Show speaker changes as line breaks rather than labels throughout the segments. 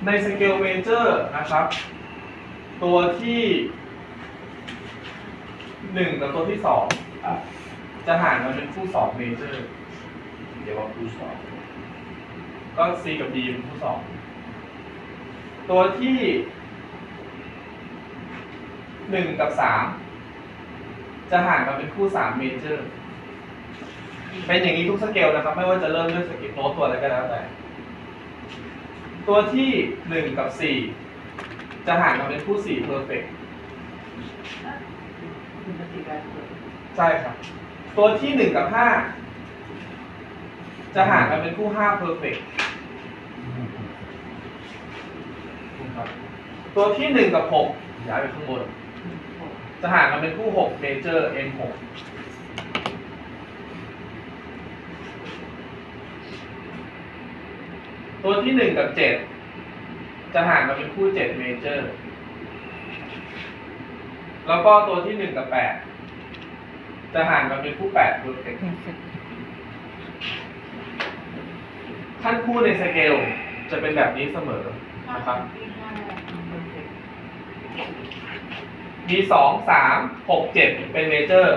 ในสเกลเมเจอร์นะครับตัวที่1กับตัวที่2จะห่างกันเป็นคู่2เมเจอร์
เรียกว่าคู่สอง
ก็ C กับ D เป็นคู่2ตัวที่1กับ3จะห่างกันเป็นคู่3เมเจอร์เป็นอย่างนี้ทุกสเกลนะครับไม่ว่าจะเริ่มด้วยสเกลโน้ตตัวอะไรก็แล้วแต่ตัวที่1กับ4จะห่างกันเป็นคู่4 perfect ใช่ครับตัวที่1กับ5จะห่างกันเป็นคู่5 perfect ตัวที่1กับ6ย้ายไปข้างบนจะห่างกันเป็นคู่6 major M6 ตัวที่1กับ7จะห่างกันเป็นคู่7 major แล้วก็ตัวที่1กับ8จะห่างกันเป็นคู่8 perfect ขั้นคู่ในสเกลจะเป็นแบบนี้เสมอนะครับมี2 3 6 7เป็นเมเจอร์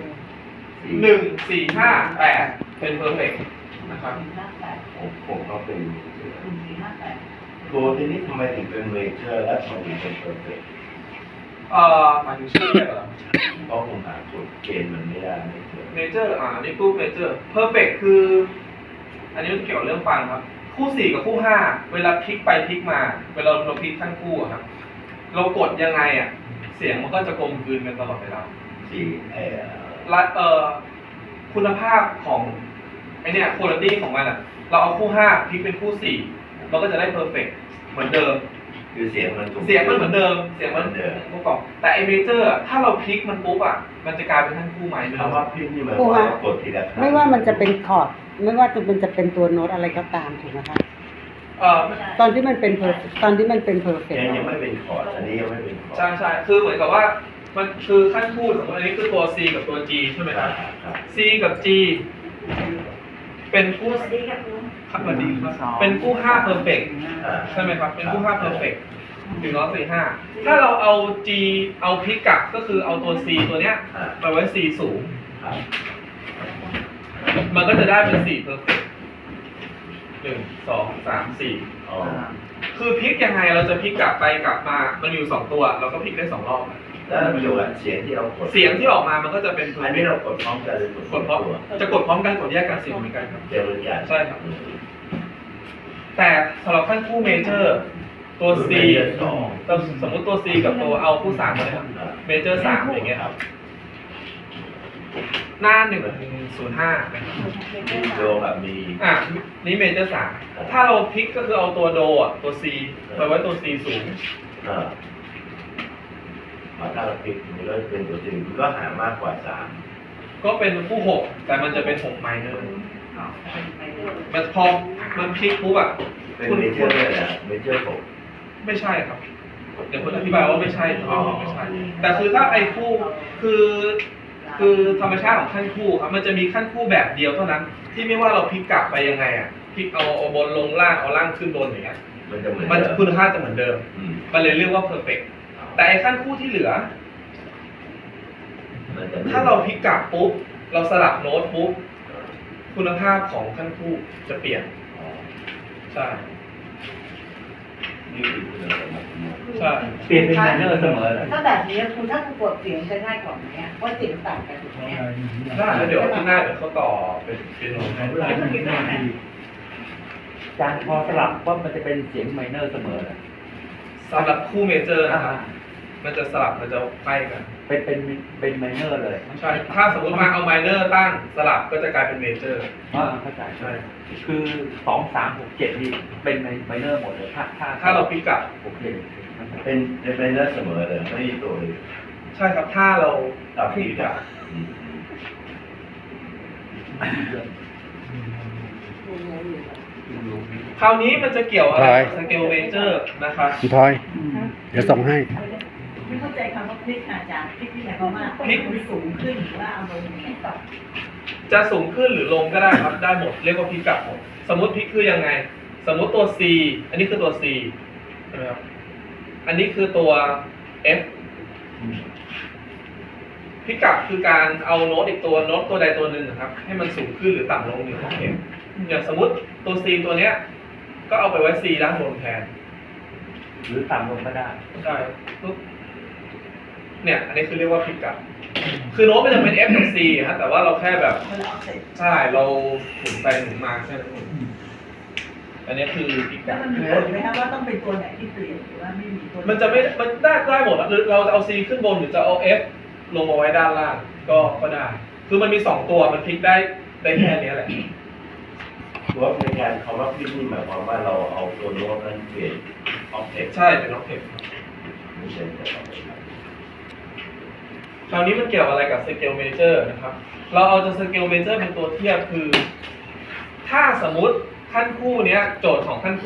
1 4 5 8เป็นเพอร์เฟกต์นะครับ
ผมก็เป็นตัวที่นี้ทำไมถึงเป็นเมเจอร์และทำไมถึงเป็นเพอร์เฟกต์
หมายถึงชื่อเรียกเหรอ
เพราะผมหากฎเกณฑ์มันไม่ได้
เมเจอร์อันนี้คู่เมเจอร์เพอร์เฟกต์คืออันนี้มันเกี่ยวกับเรื่องฟังครับคู่4กับคู่5เวลาพลิกไปพลิกมาเวลาเราพลิกขั้นคู่ครับเรากดยังไงเสียงมันก็จะกลมกลืนกันตลอดเวลาคุณภาพของไอเนี่ยคุณภาพของมันเราเอาคู่5พลิกเป็นคู่4เราก็จะได้เพอร์เฟกต์เหมือนเดิม
คือเสียงมัน
เหมือนเดิมเสียงมันเมื่อก่อนแต่ไอเมเจอร์ถ้าเราพลิกมันปุ๊บมันจะกลายเป็นขั้นคู่ใหม่เลย
คำว่าพลิกนี่หมายความว่ากดทีละครั้ง
ไม่ว่ามันจะเป็นคอร์ดไม่ว่ามันจะเป็นตัวโน้ตอะไรก็ตามถูกไหมคะตอนที่มันเป็นตอนที่มันเป็นเพอร์เฟกต์
ยังไม่เป็นคอร์ดอันนี้ยังไม่เป็นคอร์ด
ใช่คือเหมือนกับว่ามันคือขั้นคู่สมมติอันนี้คือตัว C กับตัว G ใช่ไหมครับ C กับ G เป็นคู่ครับเหมือนดีเป็นคู่5 perfect ใช่ไหมครับเป็นคู่5 perfect ถึง145ถ้าเราเอา G เอาพลิกกลับก็คือเอาตัว C ตัวเนี้ยไปไว้ C สูงมันก็จะได้เป็น4 perfect 1 2 3 4คือพลิกยังไงเราจะพลิกกลับไปกลับมามันอยู่2ตัวเราก็พลิกได้2รอบ
แล้วประโยชน์เสียงที่เรากด
เสียงที่ออกมามันก็จะเป็น
อันนี้เรากดพร้อมกันเลย
กดพร้อมจะกดพร้อมกันกดแยกกันเสียงเหมือนกันครับ
เสียงเหมือนกัน
ใช่ครับแต่สำหรับขั้นคู่เมเจอร์ตัว C สมมติตัว C กับตัวเอาคู่3เลยครับเมเจอร์3อย่างเงี้ยครับหน้า105
โดแบบมี
นี่เมเจอร์3ถ้าเราพลิกก็คือเอาตัวโดตัว C ไปไว้ตัว C สูง
ถ้าเราพลิกมันก็เป็นตัวจริงมันก็หามากกว่า3
ก็เป็นคู่6แต่มันจะเป็น6ไมเนอร์มันพอมันพลิกปุ๊บ
เป็นเมเจอร์เลยนะเมเจอร์
6ไม่ใช่ครับเดี๋ยวคุณอธิบายว่าไม่ใช่ไม่ใช่แต่คือถ้าไอ้คู่คือธรรมชาติของขั้นคู่ครับมันจะมีขั้นคู่แบบเดียวเท่านั้นที่ไม่ว่าเราพลิกกลับไปยังไงพลิกเอาบนลงล่างเอาล่างขึ้นบนอย่างเงี้ยมันคุณภาพจะเหมือนเดิมมันเลยเรียกว่า perfect แต่ไอ้ขั้นคู่ที่เหลือถ้าเราพลิกกลับปุ๊บเราสลับโน้ตปุ๊บคุณภาพของขั้นคู่จะเปลี่ยนใช่ใช่
เปลี่ยนเป็นไมเนอร์เสมอเลย
ถ้าแบบนี้คุณถ้าคุณกดเสียงจะง่ายกว่าไหมเพราะเสียงต่างกันถูกไหม
ได้แล้วเดี๋ยวที่หน้าเดี๋ยวเขาต่อเป็นโน้ตให้
จานพอสลับว่ามันจะเป็นเสียงไมเนอร์เสมอเลย
สำหรับคู่เมเจอร์นะครับมันจะสลับมันจะใกล้กัน
เป็นไมเนอร์เลย
ใช่ถ้าสมมติมาเอาไมเนอร์ตั้งสลับก็จะกลายเป็นเมเจอร์
เข้าใจใช่คือ2 3 6 7นี่เป็นไมเนอร์หมดเลย
ถ้าเราพลิกกลับ
โอเค
เป็นไมเนอร์เสมอเลยไม่มีตัวเลย
ใช่ครับถ้าเราพลิกกลับคราวนี้มันจะเกี่ยวอะไรกับสเกลเมเจอร์นะครับ
พี่ทอยเดี๋ยวส่งให้
ไม่เข้าใจคำว่าพลิกอาจารย์พลิกที่ไหนเพราะว่าพลิกมันสูงขึ้นหรือว่าเอาลงอย่างต่อ
จะสูงขึ้นหรือลงก็ได้ครับได้หมดเรียกว่าพลิกกลับหมดสมมติพลิกคือยังไงสมมติตัว C อันนี้คือตัว C ใช่ไหมครับอันนี้คือตัว F พิกัดคือการเอาโน้ตอีกตัวโน้ตตัวใดตัวหนึ่งนะครับให้มันสูงขึ้นหรือต่ำลง1 octave อย่างสมมติตัว C ตัวเนี้ยก็เอาไปไว้ C ด้านบนแทน
หรือต่ำลงก็ได้
ใช่ปุ๊บเนี่ยอันนี้คือเรียกว่าพิกัดคือโน้ตมันจะเป็น F กับ C ฮะแต่ว่าเราแค่แบบ
คนละออกเสร็จ
ใช่เราหมุนไปหมุนมาแค่นั้นเองอันนี้คือพิ
แล้
กั
ว
ด
มันมีผลไหมคะว่าต้องเป็นตัวไหนที่เปลี่ยนหรือว่าไม่มีตัว
มันจะไม่มันได้หมดอะหรือเราจะเอา C ขึ้นบนหรือจะเอา F ลงมาไว้ด้านล่างก็ได้ คือมันมี2ตัวมันพลิกได้แค่นี้แหละ
ว่าในการคำว่าพลิกนี่หมายความว่าเราเอาตัวโน้ตนั้นเปลี่ยนออบเจกต์
ใช่เป็นล็อกเทป
ไม่ใช่แต่เราไปท
คราวนี้มันเกี่ยวอะไรกับ scale major นะครับ เราเอาจะ scale major เป็นตัวเทียบคือ ถ้าสมมุติขั้นคู่เนี้ยโจทย์ของขั้นคู่